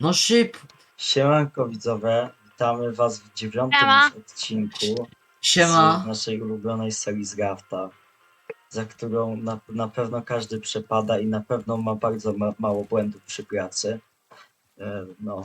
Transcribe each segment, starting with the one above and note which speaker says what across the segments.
Speaker 1: No szyb.
Speaker 2: Siemanko widzowie, witamy was w 9.
Speaker 3: Siema.
Speaker 2: już odcinku z
Speaker 1: Siema.
Speaker 2: naszej ulubionej serii z Rafta, za którą na pewno każdy przepada i na pewno ma bardzo mało błędów przy pracy. No.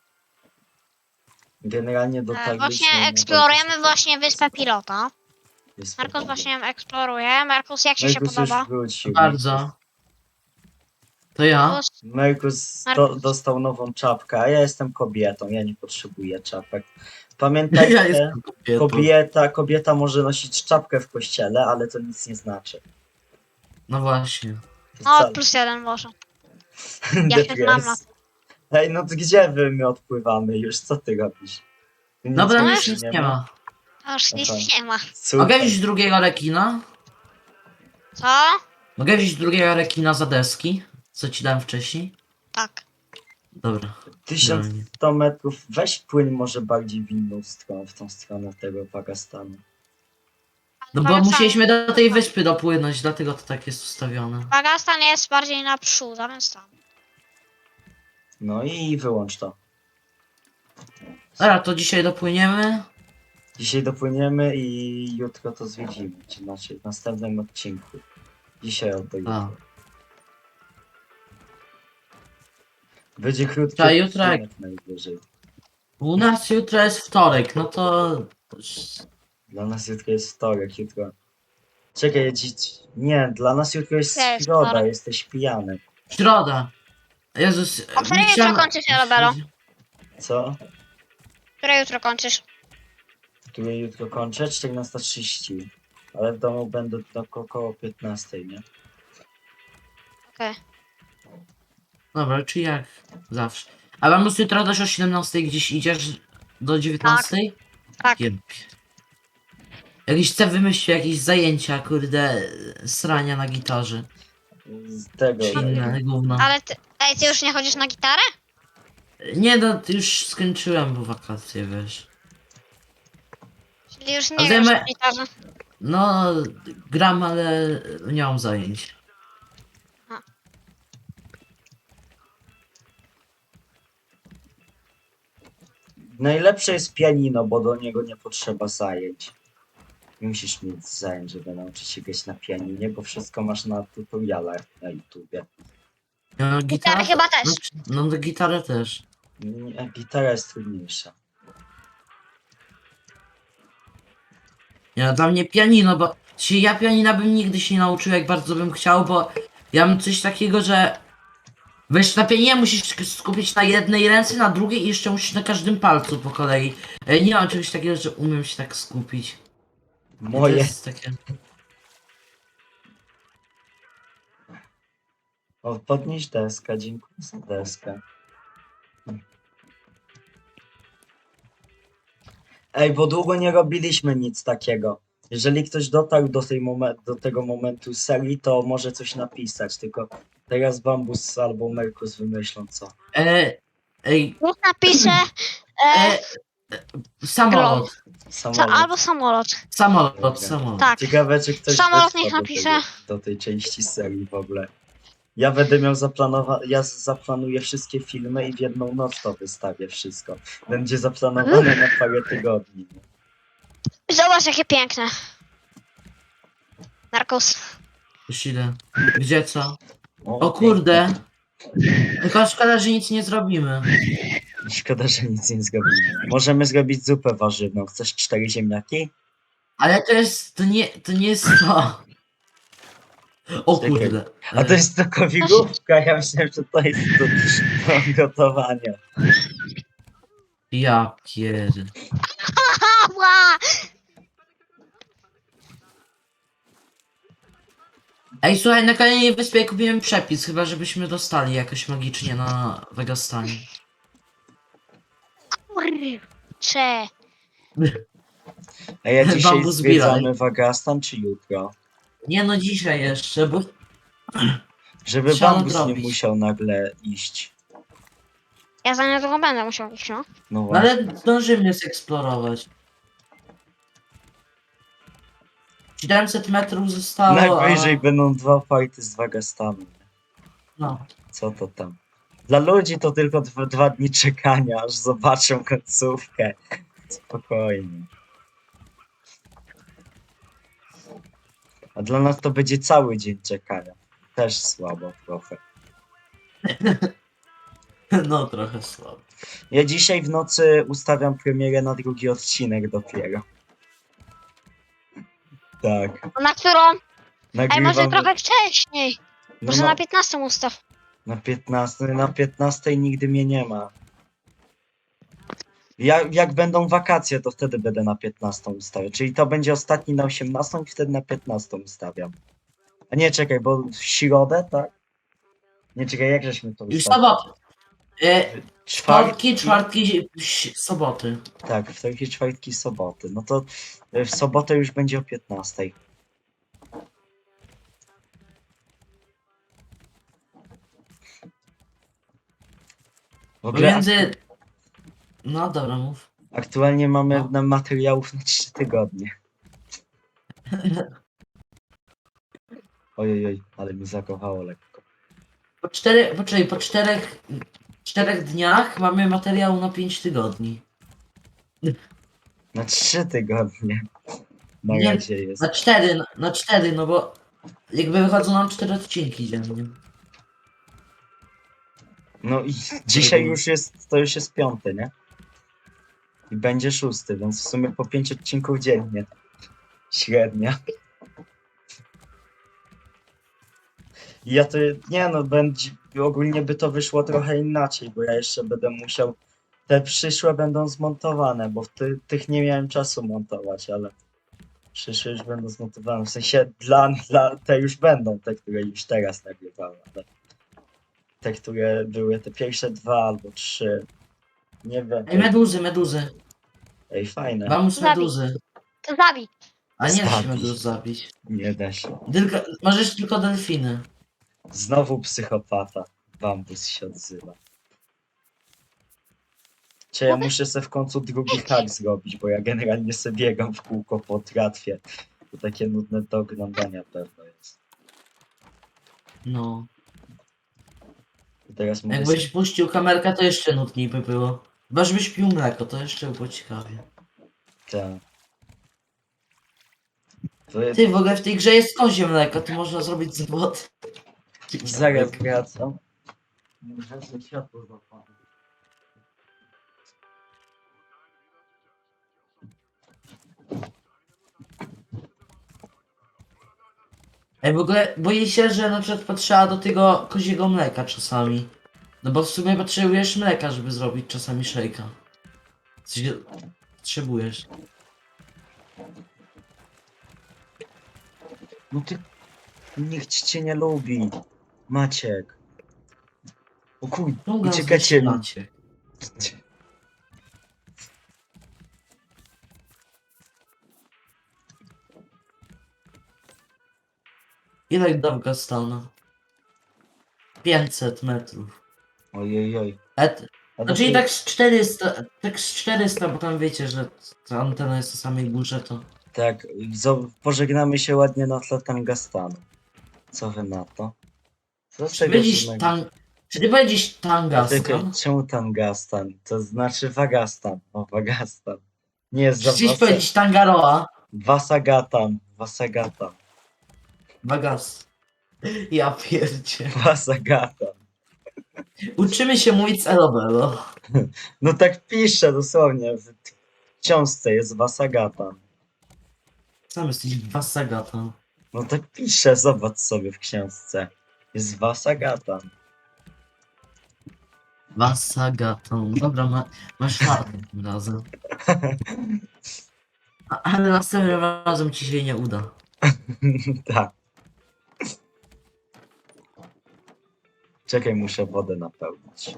Speaker 2: Generalnie dotarliśmy
Speaker 3: Właśnie
Speaker 2: na
Speaker 3: eksplorujemy
Speaker 2: bardzo
Speaker 3: właśnie wyspę pilota.
Speaker 2: wyspę
Speaker 3: Markus
Speaker 2: Pilota.
Speaker 3: właśnie ją eksploruje. Markus, jak ci się
Speaker 2: Merkus
Speaker 3: podoba?
Speaker 2: już wrócił.
Speaker 1: Bardzo. To ja?
Speaker 3: Markus,
Speaker 2: Merkus
Speaker 3: Markus.
Speaker 2: dostał nową czapkę, a ja jestem kobietą, ja nie potrzebuję czapek. Pamiętajcie,
Speaker 1: Ja jestem kobietą.
Speaker 2: kobieta może nosić czapkę w kościele, ale to nic nie znaczy.
Speaker 1: No właśnie.
Speaker 3: No,
Speaker 2: Wcale.
Speaker 3: +1 może. Ja się znam na tym.
Speaker 2: Ej, no to gdzie my odpływamy już? Co ty robisz? Tu nic
Speaker 1: Dobra,
Speaker 3: No
Speaker 1: już
Speaker 2: więcej
Speaker 1: nic nie ma.
Speaker 3: Aż
Speaker 2: Aha.
Speaker 3: nic nie ma.
Speaker 2: Super.
Speaker 1: Mogę wziąć drugiego rekina?
Speaker 3: Co?
Speaker 1: Mogę wziąć drugiego rekina za deski? Co ci dałem wcześniej?
Speaker 3: Tak.
Speaker 1: Dobra.
Speaker 2: 1100 metrów. Weź płyń może bardziej w inną stronę, w tą stronę tego Pakistanu.
Speaker 1: No bo musieliśmy do tej wyspy dopłynąć, dlatego to tak jest ustawione.
Speaker 3: Pagastan jest bardziej naprzód, a więc tam.
Speaker 2: No i wyłącz to.
Speaker 1: Dobra, to dzisiaj dopłyniemy.
Speaker 2: Dzisiaj dopłyniemy i jutro to zwiedzimy, czy znaczy w następnym odcinku. Dzisiaj albo jutro.
Speaker 1: A.
Speaker 2: Będzie krótki
Speaker 1: Ta, jutro jak-
Speaker 2: odcinek najwyżej.
Speaker 1: U nas jutro jest wtorek, no to...
Speaker 2: Dla nas jutro jest wtorek, jutro. Czekaj, dziś. Nie, dla nas jutro jest
Speaker 3: Jest
Speaker 2: środa,
Speaker 3: wtorek.
Speaker 2: jesteś pijany.
Speaker 1: Środa. Jezus...
Speaker 3: O której
Speaker 1: nie
Speaker 3: jutro
Speaker 1: chciałem-
Speaker 3: kończysz, Robelo?
Speaker 2: Co?
Speaker 3: Które jutro kończysz?
Speaker 2: Które jutro kończę? 14:30. Ale w domu będę do około 15, nie?
Speaker 3: Okej.
Speaker 1: Dobra, czy jak zawsze. A mam jutro też o 17 gdzieś idziesz do 19?
Speaker 3: Tak.
Speaker 1: Jeb. Jakiś chcę wymyślić jakieś zajęcia, kurde, srania na gitarze.
Speaker 2: Z tego.
Speaker 1: Czy inne gówno.
Speaker 3: Ale ty... Ej, ty już nie chodzisz na gitarę?
Speaker 1: Nie no, już skończyłem bo wakacje, wiesz.
Speaker 3: Czyli już
Speaker 1: A
Speaker 3: nie grasz
Speaker 1: zajmę-
Speaker 3: na gitarze.
Speaker 1: No, gram, ale nie mam zajęć.
Speaker 2: Najlepsze jest pianino, bo do niego nie potrzeba zajęć. Nie musisz mieć zajęć, żeby nauczyć się grać na pianinie, bo wszystko masz na tutorialach na YouTubie.
Speaker 1: No,
Speaker 3: Gitarę chyba też.
Speaker 1: No, gitarę też.
Speaker 2: Nie, gitara jest trudniejsza.
Speaker 1: Nie, no, dla mnie pianino, bo ja pianina bym nigdy się nie nauczył, jak bardzo bym chciał, bo ja mam coś takiego, że wiesz, na pianinie musisz skupić na jednej ręce, na drugiej i jeszcze musisz na każdym palcu po kolei. Nie mam czegoś takiego, że umiem się tak skupić. I to
Speaker 2: Moje.
Speaker 1: jest takie...
Speaker 2: O, podnieś deskę, dziękuję za deskę. Ej, bo długo nie robiliśmy nic takiego. Jeżeli ktoś dotarł do tego momentu serii, to może coś napisać, tylko teraz Bambus albo Merkus wymyślą co.
Speaker 1: Ej,
Speaker 3: Niech napiszę
Speaker 1: samolot.
Speaker 2: Samolot.
Speaker 3: albo samolot.
Speaker 1: Samolot.
Speaker 3: Tak.
Speaker 2: Ciekawe, czy ktoś
Speaker 3: Samolot
Speaker 2: dotrwa
Speaker 3: niech
Speaker 2: do
Speaker 3: napisze.
Speaker 2: do tej części serii w ogóle. Ja będę miał ja zaplanuję wszystkie filmy i w jedną noc to wystawię wszystko. Będzie zaplanowane na parę tygodni.
Speaker 3: Zobacz, jakie piękne. Narkos.
Speaker 1: Już idę. Gdzie co? O
Speaker 2: pięknie.
Speaker 1: kurde. Tylko szkoda, że nic nie zrobimy.
Speaker 2: Szkoda, że nic nie zrobimy. Możemy zrobić zupę warzywną. Chcesz 4 ziemniaki?
Speaker 1: Ale to nie jest to. O
Speaker 2: Czekaj.
Speaker 1: kurde.
Speaker 2: A to jest tylko wigówka. Ja myślałem, że to jest do gotowania.
Speaker 1: Ja pierd...
Speaker 3: Ała!
Speaker 1: Ej, słuchaj, na kolejnej wyspie kupiłem przepis, chyba żebyśmy dostali jakoś magicznie na Wegastanie.
Speaker 3: Kurczę.
Speaker 2: A ja dzisiaj
Speaker 1: Bambus
Speaker 2: zwiedzamy
Speaker 1: Bilaj.
Speaker 2: Wagastan czy jutro?
Speaker 1: Nie no, dzisiaj jeszcze, bo...
Speaker 2: Żeby
Speaker 1: Trzeba
Speaker 2: Bambus nie
Speaker 1: nadrobić.
Speaker 2: musiał nagle iść.
Speaker 3: Ja za niedługo będę musiał iść, no.
Speaker 2: No
Speaker 1: No
Speaker 2: właśnie.
Speaker 1: ale zdążymy zeksplorować. 700 metrów zostało,
Speaker 2: Najwyżej będą 2 fighty z Wagastanu.
Speaker 1: No.
Speaker 2: Co to tam? Dla ludzi to tylko 2 dni czekania, aż zobaczą końcówkę. Spokojnie. A dla nas to będzie cały dzień czekania. Też słabo trochę.
Speaker 1: No trochę słabo.
Speaker 2: Ja dzisiaj w nocy ustawiam premierę na 2. odcinek dopiero. Tak.
Speaker 3: A na którą? Ej, może
Speaker 2: Nagrywam
Speaker 3: trochę wcześniej.
Speaker 2: no,
Speaker 3: Może na 15 ustaw.
Speaker 2: na 15 nigdy mnie nie ma. Jak będą wakacje, to wtedy będę na 15 ustawiał. Czyli to będzie ostatni na 18 i wtedy na 15 ustawiam. A nie, czekaj, bo w środę, tak? Nie, czekaj, jak żeśmy to
Speaker 1: I
Speaker 2: ustawili?
Speaker 1: sobot.
Speaker 2: Czwartki,
Speaker 1: Czwartki, soboty.
Speaker 2: tak, wtorki, czwartki, soboty. No to w sobotę już będzie o 15. W ogóle
Speaker 1: Pomiędzy... No dobra, mów.
Speaker 2: aktualnie mamy
Speaker 1: No.
Speaker 2: na materiałów na 3 tygodnie. Ojej, ale mi zakochało lekko.
Speaker 1: Po czterech dniach mamy materiał na 5 tygodni.
Speaker 2: Na 3 tygodnie. Na
Speaker 1: Nie,
Speaker 2: razie jest.
Speaker 1: Na 4, no bo jakby wychodzą nam 4 odcinki dziennie.
Speaker 2: No i dzisiaj już jest, to już jest 5, nie? I będzie 6, więc w sumie po 5 odcinków dziennie. Średnia. I ja to, nie no, będzie, ogólnie by to wyszło trochę inaczej, bo ja jeszcze będę musiał, te przyszłe będą zmontowane, bo tych nie miałem czasu montować, ale przyszłe już będą zmontowane, w sensie dla te już będą, te, które już teraz nagrywałem, ale te, które były te pierwsze 2 albo 3, nie wiem,
Speaker 1: Ej, meduzy.
Speaker 2: ej, fajne,
Speaker 1: Bambus
Speaker 3: Zabij.
Speaker 1: meduzy.
Speaker 3: To zabij.
Speaker 1: A nie da się
Speaker 2: Zabić.
Speaker 1: meduz zabić.
Speaker 2: nie da się.
Speaker 1: Możesz tylko delfiny.
Speaker 2: Znowu psychopata, bambus się odzywa. Czy ja muszę sobie w końcu drugi hack zrobić, bo ja generalnie sobie biegam w kółko po tratwie. To takie nudne do oglądania pewno jest.
Speaker 1: No.
Speaker 2: I teraz mówię sobie,
Speaker 1: Jakbyś puścił kamerkę, to jeszcze nudniej by było. Chyba żebyś pił mleko, to jeszcze by było ciekawie.
Speaker 2: tak. To jest,
Speaker 1: Ty, w ogóle w tej grze jest kozie mleko, to można zrobić zawód.
Speaker 2: zaraz wracam. Muszę sobie światło zapalić.
Speaker 1: Ej, w ogóle boję się, że na przykład potrzeba do tego koziego mleka czasami. No bo w sumie potrzebujesz mleka, żeby zrobić czasami szejka. Coś potrzebujesz.
Speaker 2: No ty, nikt cię nie lubi. Maciek. O kur...
Speaker 1: Długo
Speaker 2: uciekacie mi.
Speaker 1: macie. Ile do Afganistanu? 500 metrów.
Speaker 2: Ojej.
Speaker 1: No czyli tak z 400, bo tam wiecie, że ta antena jest na samej górze, to...
Speaker 2: Tak, pożegnamy się ładnie na tle Tangastanu. Co wy na to? Co z
Speaker 1: Czy
Speaker 2: tego
Speaker 1: powiedzieć
Speaker 2: żadnego-
Speaker 1: Czy ty powiedzieć
Speaker 2: Tylko,
Speaker 1: Tangastan?
Speaker 2: czemu Tangastan? To znaczy Wagastan. O, Wagastan. Nie jest za
Speaker 1: Chciałeś powiedzieć Tangaroa?
Speaker 2: Vasagatan.
Speaker 1: Bagas. Ja pierdzie.
Speaker 2: Vasagatan.
Speaker 1: Uczymy się mówić z Elobelo.
Speaker 2: No tak pisze dosłownie. W książce jest Vasagatan.
Speaker 1: Sam jesteś Vasagatan.
Speaker 2: No tak pisze, zobacz sobie w książce. Jest Vasagatan.
Speaker 1: Vasagatan. Dobra, masz fartę tym razem. Ale następnym razem ci się nie uda.
Speaker 2: Tak. Czekaj, muszę wodę napełnić.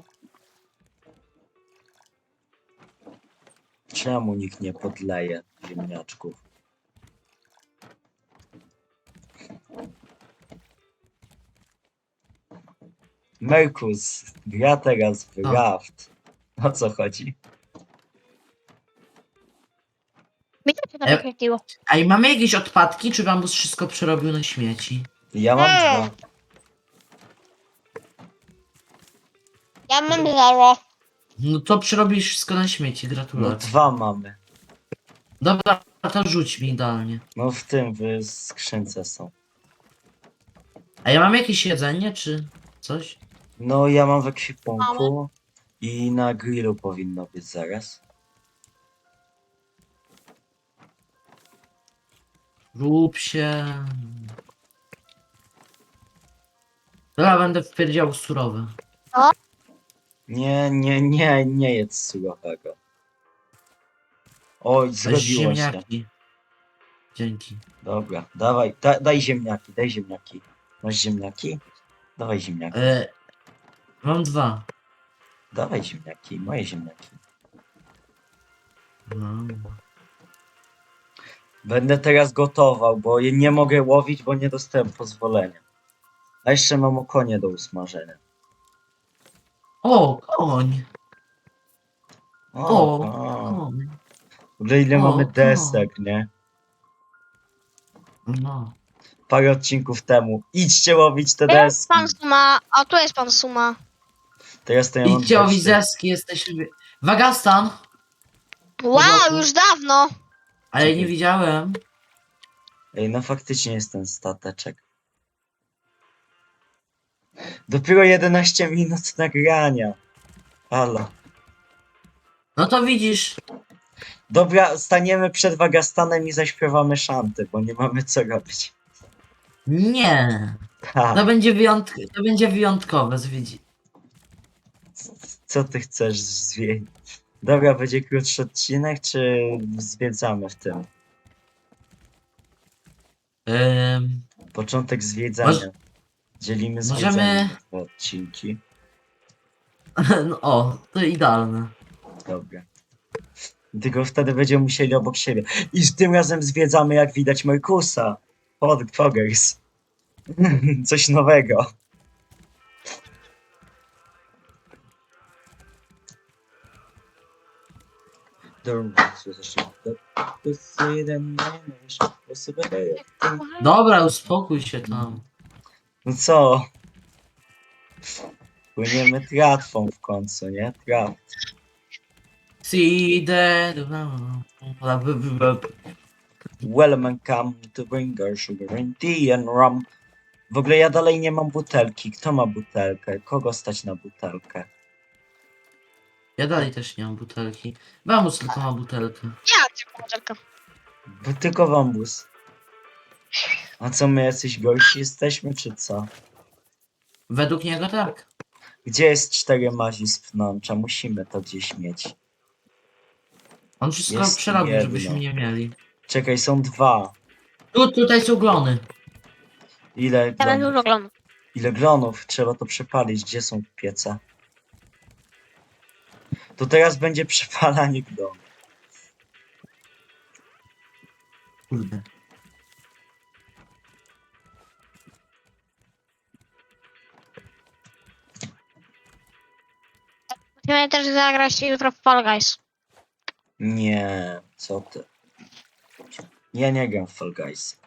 Speaker 2: Czemu nikt nie podleje ziemniaczków? Merkus gra teraz w
Speaker 1: A.
Speaker 2: Raft. O co chodzi?
Speaker 3: Mi to się to
Speaker 1: E-
Speaker 3: wyświetliło.
Speaker 1: A i mamy jakieś odpadki, czy Bambus wszystko przerobił na śmieci?
Speaker 2: Ja mam
Speaker 3: Nie.
Speaker 2: 2.
Speaker 3: Ja mam 0.
Speaker 1: No to przerobisz wszystko na śmieci,
Speaker 2: No
Speaker 1: gratulacje.
Speaker 2: 2 mamy.
Speaker 1: Dobra, to rzuć mi idealnie.
Speaker 2: No w tym, w skrzynce są.
Speaker 1: A ja mam jakieś jedzenie, czy coś?
Speaker 2: No ja mam w ekwipunku i na grillu powinno być zaraz.
Speaker 1: Rób się. Dobra, będę wpierdział surowe.
Speaker 2: Nie jedz surowego. Oj,
Speaker 1: Weź
Speaker 2: zrobiło się.
Speaker 1: ziemniaki. Dzięki.
Speaker 2: Dobra, dawaj, daj ziemniaki, daj ziemniaki. Masz ziemniaki? Dawaj ziemniaki.
Speaker 1: Mam 2.
Speaker 2: Dawaj ziemniaki, moje ziemniaki.
Speaker 1: No.
Speaker 2: Będę teraz gotował, bo je nie mogę łowić, bo nie dostałem pozwolenia. A jeszcze mam okonie do usmażenia.
Speaker 1: O, koń. O,
Speaker 2: O.
Speaker 1: koń.
Speaker 2: W ogóle ile
Speaker 1: O,
Speaker 2: mamy
Speaker 1: o.
Speaker 2: desek, nie?
Speaker 1: No.
Speaker 2: Parę odcinków temu. Idźcie łowić te
Speaker 3: Tu jest
Speaker 2: deski.
Speaker 3: pan Suma, a tu jest pan Suma.
Speaker 2: Teraz to ja mam
Speaker 1: Idźcie o
Speaker 2: 20.
Speaker 1: wizeski, jesteśmy... Wagastan!
Speaker 3: Wow,
Speaker 1: Dobra.
Speaker 3: już dawno.
Speaker 1: Ale
Speaker 2: Czekaj.
Speaker 1: nie widziałem.
Speaker 2: Ej, no faktycznie jest ten stateczek. Dopiero 11 minut nagrania. Halo.
Speaker 1: No to widzisz.
Speaker 2: Dobra, staniemy przed Wagastanem i zaśpiewamy szanty, bo nie mamy co robić.
Speaker 1: Nie.
Speaker 2: Ha,
Speaker 1: To będzie wyjątkowe, zwiedzi.
Speaker 2: co ty chcesz zwiedzić? Dobra, będzie krótszy odcinek, czy zwiedzamy w tym? Początek zwiedzania.
Speaker 1: Moż-
Speaker 2: Dzielimy
Speaker 1: możemy-
Speaker 2: zwiedzanie na 2 odcinki.
Speaker 1: No, o, to idealne.
Speaker 2: Dobra. Tylko wtedy będziemy musieli obok siebie. I tym razem zwiedzamy, jak widać, Markusa. Poggers. Coś nowego.
Speaker 1: Dobra, uspokój się tam.
Speaker 2: No co? Płyniemy tratwą w końcu, nie?
Speaker 1: See the...
Speaker 2: Welcome to Bringer, Sugar and Tea and Rum. W ogóle ja dalej nie mam butelki. Kto ma butelkę? Kogo stać na butelkę?
Speaker 1: Ja dalej też nie mam butelki. Mamus tylko ma butelkę.
Speaker 3: Ja tylko modelka.
Speaker 2: Bo tylko wambus. A co, my jacyś gorsi jesteśmy, czy co?
Speaker 1: Według niego tak.
Speaker 2: Gdzie jest 4 mazi z pnącza? Musimy to gdzieś mieć.
Speaker 1: On wszystko
Speaker 2: Jest
Speaker 1: przerobił,
Speaker 2: jedno.
Speaker 1: żebyśmy nie mieli.
Speaker 2: Czekaj, są 2.
Speaker 1: Tutaj są glony.
Speaker 2: Ile
Speaker 3: Ja będę
Speaker 2: glonów?
Speaker 3: dużo oglądał.
Speaker 2: Ile glonów? Trzeba to przepalić. Gdzie są piece? To teraz będzie przepalanie glonów.
Speaker 1: Kurde.
Speaker 3: Musimy też zagrać jutro w Fall Guys.
Speaker 2: Nie, co ty? Ja nie gram w Fall Guys.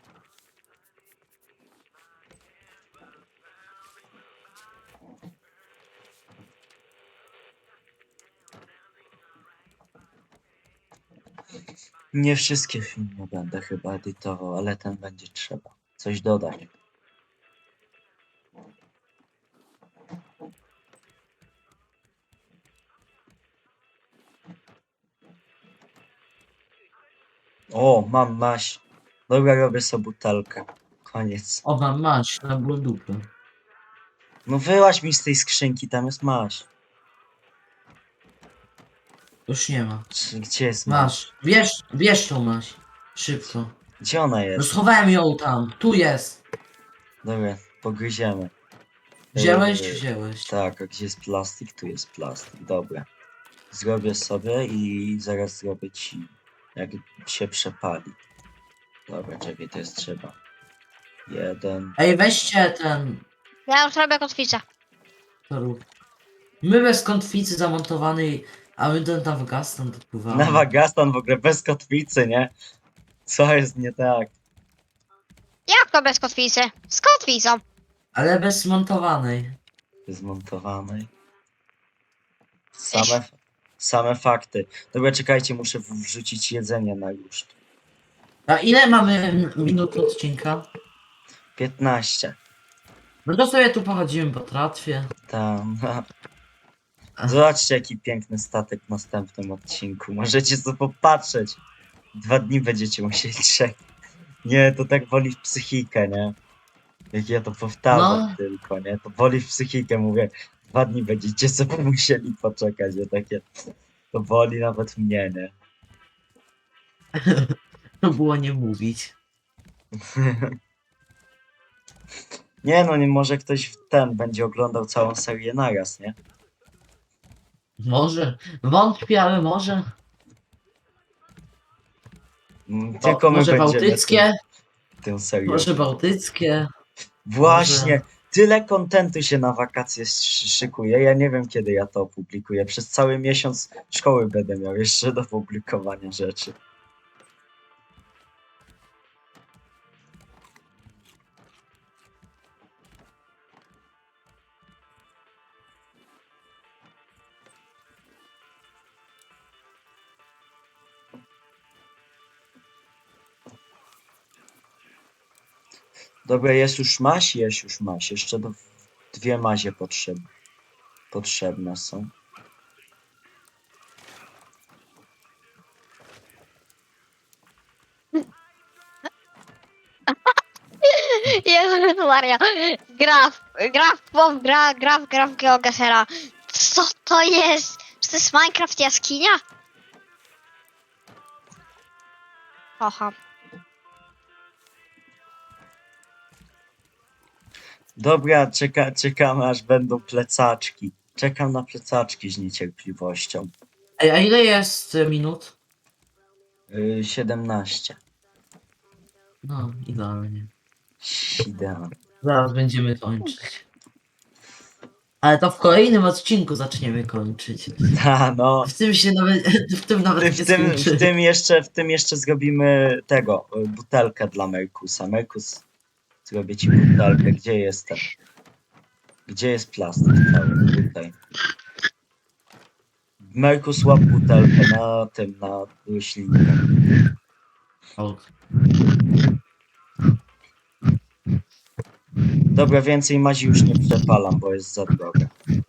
Speaker 2: Nie wszystkie filmy będę chyba edytował, ale ten będzie trzeba coś dodać. O, mam maś. Dobra, robię sobie butelkę. Koniec.
Speaker 1: O, mam maść na dupę.
Speaker 2: No wyłaź mi z tej skrzynki, tam jest maś.
Speaker 1: Już nie ma.
Speaker 2: Gdzie jest maś?
Speaker 1: Masz. Bierz tą maść. Szybko.
Speaker 2: Gdzie ona
Speaker 1: No
Speaker 2: jest?
Speaker 1: schowałem ją tam. Tu jest.
Speaker 2: Dobra, pogryziemy.
Speaker 1: Wziąłeś?
Speaker 2: Yy,
Speaker 1: Wziąłeś.
Speaker 2: Tak, a gdzie jest plastik? Tu jest plastik. Dobra. Zrobię sobie i zaraz zrobię ci, jak się przepali. Dobra, czekaj, to jest trzeba. 1.
Speaker 1: Ej, weźcie ten...
Speaker 3: Ja już robię kotwicę.
Speaker 1: to rób. My bez kotwicy zamontowanej, a my ten tam Wagastan dopływamy.
Speaker 2: Na Wagastan w ogóle bez kotwicy, nie? Co jest nie tak?
Speaker 3: Jak to bez kotwicy? Z kotwicą.
Speaker 1: Ale bez montowanej.
Speaker 2: Zmontowanej. Same, same fakty. Dobra, czekajcie, muszę wrzucić jedzenie na już.
Speaker 1: A ile mamy minut odcinka?
Speaker 2: 15.
Speaker 1: No to sobie tu pochodzimy po tratwie.
Speaker 2: Tam. Zobaczcie, jaki piękny statek w następnym odcinku. Możecie sobie popatrzeć. 2 dni będziecie musieli czekać. Nie, to tak woli w psychikę, nie? Jak ja to powtarzam
Speaker 1: No.
Speaker 2: tylko, nie? To woli w psychikę, mówię. 2 dni będziecie sobie musieli poczekać, nie? Takie... To woli nawet mnie, nie?
Speaker 1: To było nie mówić.
Speaker 2: Nie no, nie może ktoś w ten będzie oglądał całą serię naraz, nie?
Speaker 1: Wątpię, ale może.
Speaker 2: Tylko my
Speaker 1: Może
Speaker 2: będziemy
Speaker 1: bałtyckie?
Speaker 2: tę serię.
Speaker 1: Może bałtyckie?
Speaker 2: Właśnie,
Speaker 1: może-
Speaker 2: tyle kontentu się na wakacje szykuje. Ja nie wiem, kiedy ja to opublikuję. Przez cały miesiąc szkoły będę miał jeszcze do publikowania rzeczy. Dobra, jest już maś? Jest już maś. Jeszcze 2 mazie potrzebne są.
Speaker 3: Jezus Maria. Graf GeoGesera. Co to jest? Czy to jest Minecraft jaskinia? Oha.
Speaker 2: Dobra, czekamy aż będą plecaczki. Czekam na plecaczki z niecierpliwością.
Speaker 1: Ej, a ile jest minut?
Speaker 2: 17.
Speaker 1: No, idealnie.
Speaker 2: Idealnie.
Speaker 1: Zaraz będziemy kończyć. Ale to w kolejnym odcinku zaczniemy kończyć.
Speaker 2: Ta, no.
Speaker 1: W tym się nawet, w tym nawet nie skończy.
Speaker 2: W tym jeszcze zrobimy tego, butelkę dla Merkusa. Merkus, zrobię ci butelkę. Gdzie jestem? Gdzie jest plastik cały? Tutaj. Merkus, łap butelkę na roślinkę.
Speaker 1: O,
Speaker 2: Dobra, więcej mazi już nie przepalam, bo jest za droga.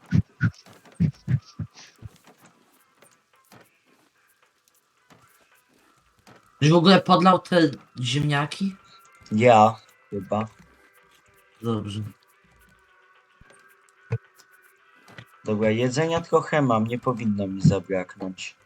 Speaker 1: Już w ogóle podlał te ziemniaki?
Speaker 2: Ja chyba.
Speaker 1: Dobrze.
Speaker 2: Dobra, jedzenia trochę mam, nie powinno mi zabraknąć.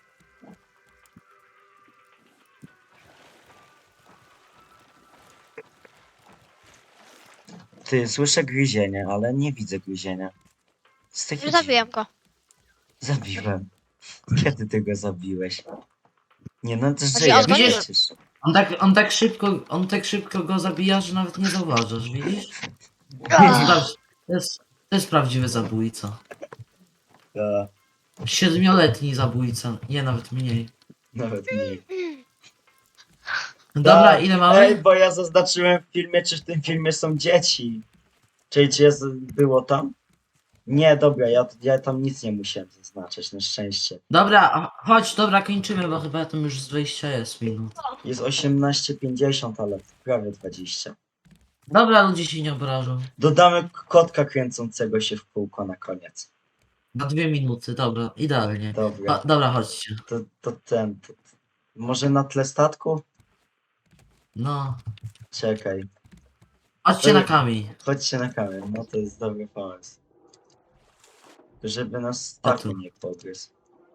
Speaker 2: Ty, słyszę gryzienie, ale nie widzę gryzienia. Z takich
Speaker 3: Już zabiłem go.
Speaker 2: Zabiłem. Kiedy ty go zabiłeś? Nie no, to
Speaker 3: Znaczy,
Speaker 2: żyje
Speaker 3: on zgonił-
Speaker 2: przecież.
Speaker 1: On tak szybko go zabija, że nawet nie zauważasz, widzisz?
Speaker 3: Ach.
Speaker 1: To jest prawdziwy zabójca.
Speaker 2: Ta,
Speaker 1: 7-letni zabójca, nie nawet mniej.
Speaker 2: nawet mniej.
Speaker 1: Dobra,
Speaker 2: Tak.
Speaker 1: ile mamy?
Speaker 2: Ej, bo ja zaznaczyłem w filmie, czy w tym filmie są dzieci. Czy było tam? Nie, dobra, ja tam nic nie musiałem zaznaczać, na szczęście.
Speaker 1: Dobra, chodź, dobra, kończymy, bo chyba tam już z 20 jest minut.
Speaker 2: Jest 18:50, ale prawie 20.
Speaker 1: Dobra, ludzie się nie obrażą.
Speaker 2: Dodamy kotka kręcącego się w kółko na koniec.
Speaker 1: Na 2 minuty, dobra, idealnie.
Speaker 2: Dobra,
Speaker 1: Dobra, chodźcie.
Speaker 2: to może na tle statku?
Speaker 1: No,
Speaker 2: Czekaj,
Speaker 1: chodźcie na kamień.
Speaker 2: chodźcie na kamerę, no to jest dobry pomysł. Żeby nas statku
Speaker 1: tu.
Speaker 2: nie pogryzł.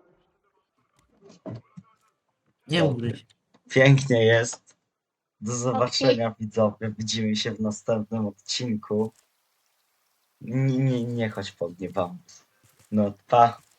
Speaker 1: Nie ugryź.
Speaker 2: Pięknie jest. Do zobaczenia widzowie. Widzimy się w następnym odcinku. Nie chodź po mnie, wam. No pa.